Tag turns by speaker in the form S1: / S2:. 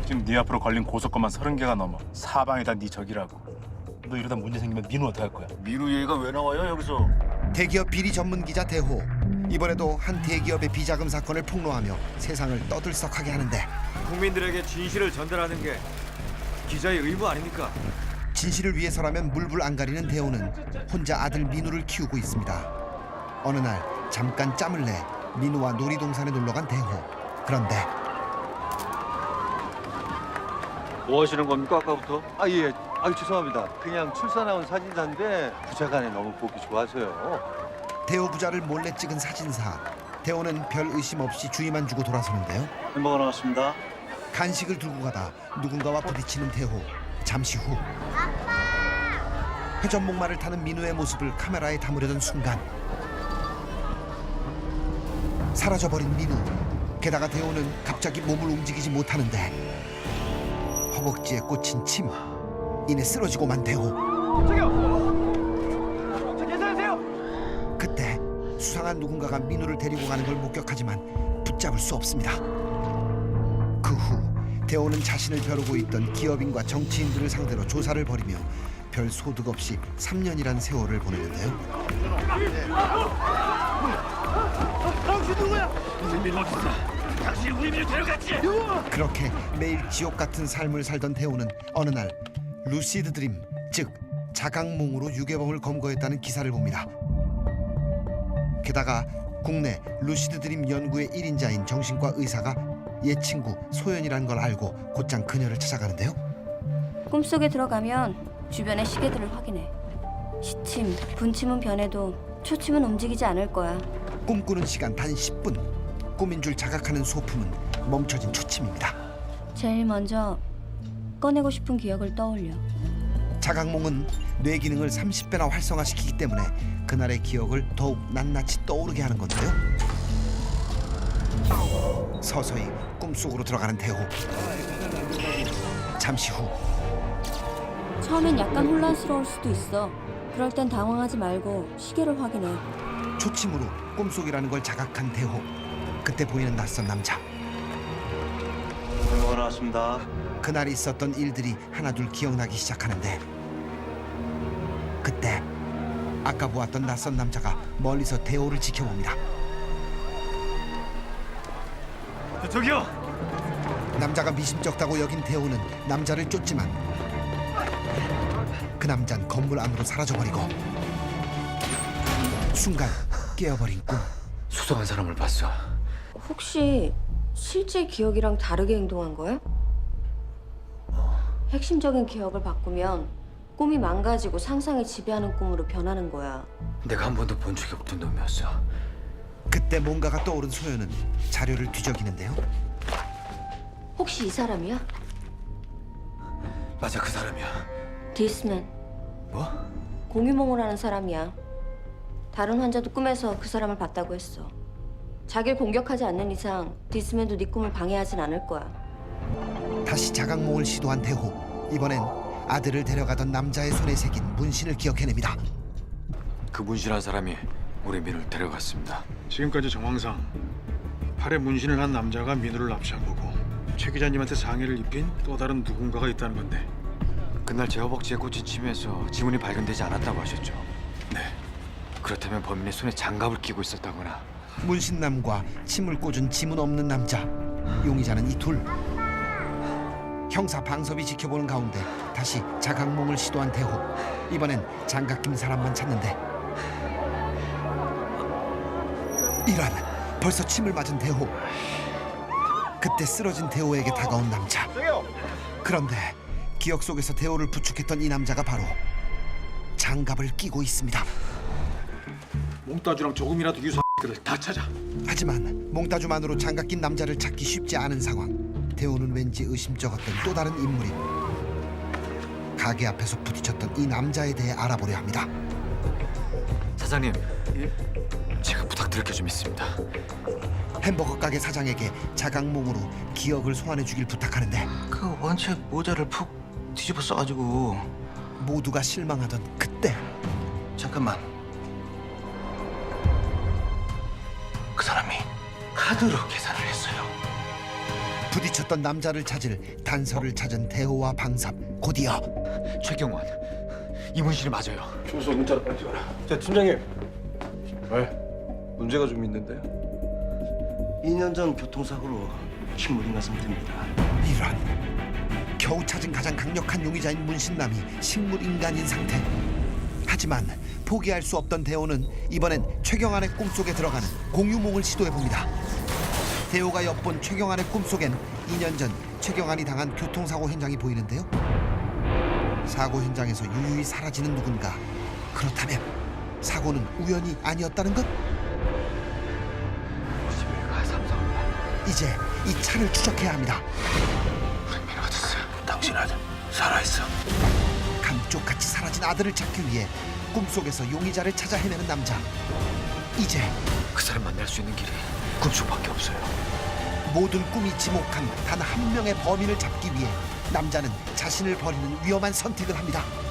S1: 지금 네 앞으로 걸린 고소건만 30개가 넘어. 사방이 다 네 적이라고. 너 이러다 문제 생기면 민우 어떡할 거야?
S2: 민우 얘기가 왜 나와요 여기서?
S3: 대기업 비리 전문 기자 대호. 이번에도 한 대기업의 비자금 사건을 폭로하며 세상을 떠들썩하게 하는데
S4: 국민들에게 진실을 전달하는 게 기자의 의무 아닙니까?
S3: 진실을 위해서라면 물불 안 가리는 대호는 혼자 아들 민우를 키우고 있습니다. 어느 날 잠깐 짬을 내 민우와 놀이동산에 놀러간 대호. 그런데
S4: 뭐 하시는 겁니까 아까부터?
S5: 예. 죄송합니다. 그냥 출사 나온 사진사인데 부자간에 너무 보기 좋아서요.
S3: 대호 부자를 몰래 찍은 사진사. 대호는 별 의심 없이 주의만 주고 돌아서는데요.
S2: 햄버거 나왔습니다.
S3: 간식을 들고 가다 누군가와 부딪히는 대호. 잠시 후 회전 목마를 타는 민우의 모습을 카메라에 담으려던 순간 사라져버린 민우. 게다가 대호는 갑자기 몸을 움직이지 못하는데 허벅지에 꽂힌 침. 이내 쓰러지고만 대호.
S4: 저기요! 저 괜찮으세요?
S3: 그때 수상한 누군가가 민우를 데리고 가는 걸 목격하지만 붙잡을 수 없습니다. 그 후 대호는 자신을 벼르고 있던 기업인과 정치인들을 상대로 조사를 벌이며 별 소득 없이 3년이란 세월을 보내는데요.
S2: 당신 누구야? 우리 민우 어딨어? 당신 우리 민우 데려갔지?
S3: 그렇게 매일 지옥 같은 삶을 살던 대호는 어느 날 루시드 드림, 즉 자각몽으로 유괴범을 검거했다는 기사를 봅니다. 게다가 국내 루시드 드림 연구의 1인자인 정신과 의사가 옛 친구 소연이라는 걸 알고 곧장 그녀를 찾아가는데요.
S6: 꿈속에 들어가면 주변의 시계들을 확인해. 시침, 분침은 변해도 초침은 움직이지 않을 거야.
S3: 꿈꾸는 시간 단 10분. 꿈인 줄 자각하는 소품은 멈춰진 초침입니다.
S6: 제일 먼저 꺼내고 싶은 기억을 떠올려.
S3: 자각몽은 뇌 기능을 30배나 활성화시키기 때문에 그날의 기억을 더욱 낱낱이 떠오르게 하는 건데요. 서서히 꿈속으로 들어가는 대호. 잠시 후
S6: 처음엔 약간 혼란스러울 수도 있어. 그럴 땐 당황하지 말고 시계를 확인해.
S3: 초침으로 꿈속이라는 걸 자각한 대호. 그때 보이는 낯선 남자.
S2: 햄버거 나왔습니다.
S3: 그날 있었던 일들이 하나둘 기억나기 시작하는데 그때 아까 보았던 낯선 남자가 멀리서 대호를 지켜봅니다.
S2: 저기요.
S3: 남자가 미심쩍다고 여긴 대호는 남자를 쫓지만 그 남잔 건물 안으로 사라져버리고 순간 깨어버린 꿈.
S4: 수상한 사람을 봤어.
S6: 혹시 실제 기억이랑 다르게 행동한 거야? 핵심적인 기억을 바꾸면 꿈이 망가지고 상상이 지배하는 꿈으로 변하는 거야.
S4: 내가 한 번도 본 적이 없던 놈이었어.
S3: 그때 뭔가가 떠오른 소연은 자료를 뒤적이는데요.
S6: 혹시 이 사람이야?
S4: 맞아, 그 사람이야.
S6: 디스맨.
S4: 뭐?
S6: 공유몽을 하는 사람이야. 다른 환자도 꿈에서 그 사람을 봤다고 했어. 자기를 공격하지 않는 이상 디스맨도 네 꿈을 방해하진 않을 거야.
S3: 다시 자각몽을 시도한 대호. 이번엔 아들을 데려가던 남자의 손에 새긴 문신을 기억해냅니다.
S4: 그 문신한 사람이 우리 민우를 데려갔습니다.
S7: 지금까지 정황상 팔에 문신을 한 남자가 민우를 납치한 거고 최 기자님한테 상해를 입힌 또 다른 누군가가 있다는 건데
S4: 그날 제 허벅지에 꽂힌 침에서 지문이 발견되지 않았다고 하셨죠? 네. 그렇다면 범인의 손에 장갑을 끼고 있었다거나.
S3: 문신남과 침을 꽂은 지문 없는 남자. 용의자는 이 둘. 형사 방섭이 지켜보는 가운데 다시 자각몽을 시도한 대호. 이번엔 장갑 낀 사람만 찾는데 이런, 벌써 침을 맞은 대호. 그때 쓰러진 대호에게 다가온 남자. 그런데 기억 속에서 대호를 부축했던 이 남자가 바로 장갑을 끼고 있습니다.
S7: 몽따주랑 조금이라도 유사들을 다 찾아.
S3: 하지만 몽따주만으로 장갑 낀 남자를 찾기 쉽지 않은 상황. 대호는 왠지 의심쩍었던 또 다른 인물이 가게 앞에서 부딪혔던 이 남자에 대해 알아보려 합니다.
S4: 사장님, 제가 부탁드릴 게 좀 있습니다.
S3: 햄버거 가게 사장에게 자각몽으로 기억을 소환해 주길 부탁하는데
S5: 그 원체 모자를 푹 뒤집어 써가지고.
S3: 모두가 실망하던 그때
S5: 잠깐만. 그 사람이 카드로 계산을 했어요.
S3: 부딪혔던 남자를 찾을 단서를 찾은 대호와 방삽. 곧이어
S4: 최경환, 이문신이 맞아요.
S2: 주소 문자로 빨리 찍어라. 자, 팀장님. 왜? 문제가 좀 있는데요. 2년 전 교통사고로 식물인간 상태입니다.
S3: 이런, 겨우 찾은 가장 강력한 용의자인 문신남이 식물인간인 상태. 하지만 포기할 수 없던 대호는 이번엔 최경환의 꿈속에 들어가는 공유몽을 시도해봅니다. 대호가 엿본 최경환의 꿈속엔 2년 전 최경환이 당한 교통사고 현장이 보이는데요. 사고 현장에서 유유히 사라지는 누군가. 그렇다면 사고는 우연이 아니었다는 것?
S4: 집에가 삼성이야.
S3: 이제 이 차를 추적해야 합니다.
S4: 우리 민호 어딨어?
S2: 당신 아들 살아있어.
S3: 감쪽같이 사라진 아들을 찾기 위해 꿈속에서 용의자를 찾아 헤매는 남자. 이제
S4: 그 사람 만날 수 있는 길이 꿈속밖에 없어요.
S3: 모든 꿈이 지목한 단 한 명의 범인을 잡기 위해 남자는 자신을 버리는 위험한 선택을 합니다.